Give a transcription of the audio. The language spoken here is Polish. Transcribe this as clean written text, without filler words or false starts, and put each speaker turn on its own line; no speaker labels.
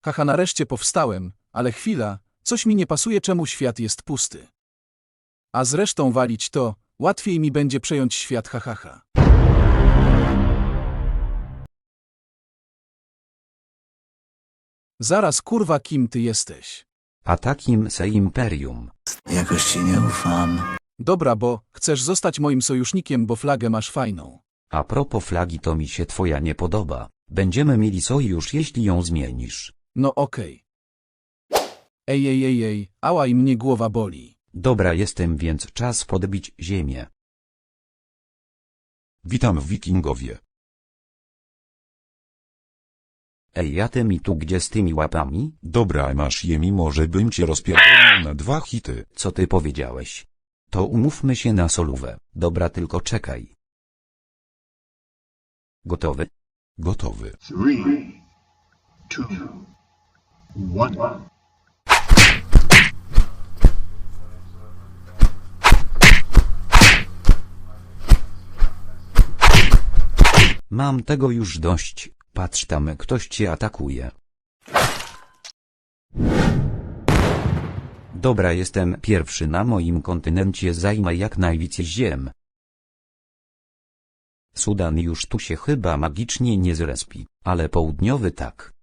Haha, nareszcie powstałem, ale chwila, coś mi nie pasuje, czemu świat jest pusty. A zresztą walić to, łatwiej mi będzie przejąć świat, hahaha. Zaraz, kurwa, kim ty jesteś?
A takim se imperium.
Jakoś ci nie ufam.
Dobra, bo chcesz zostać moim sojusznikiem, bo flagę masz fajną.
A propos flagi, to mi się twoja nie podoba. Będziemy mieli sojusz, jeśli ją zmienisz.
No okej. Ej, ała i mnie głowa boli.
Dobra, jestem, więc czas podbić ziemię.
Witam wikingowie.
Ej, a ty mi tu gdzie z tymi łapami?
Dobra, masz je, mimo że bym cię rozpierdolił na 2 hity.
Co ty powiedziałeś? To umówmy się na solówę. Dobra, tylko czekaj. Gotowy?
Gotowy.
3, 2, 1.
Mam tego już dość. Patrz, tam ktoś cię atakuje. Dobra, jestem pierwszy na moim kontynencie, zajmę jak najwięcej ziem. Sudan już tu się chyba magicznie nie zrespi, ale południowy tak.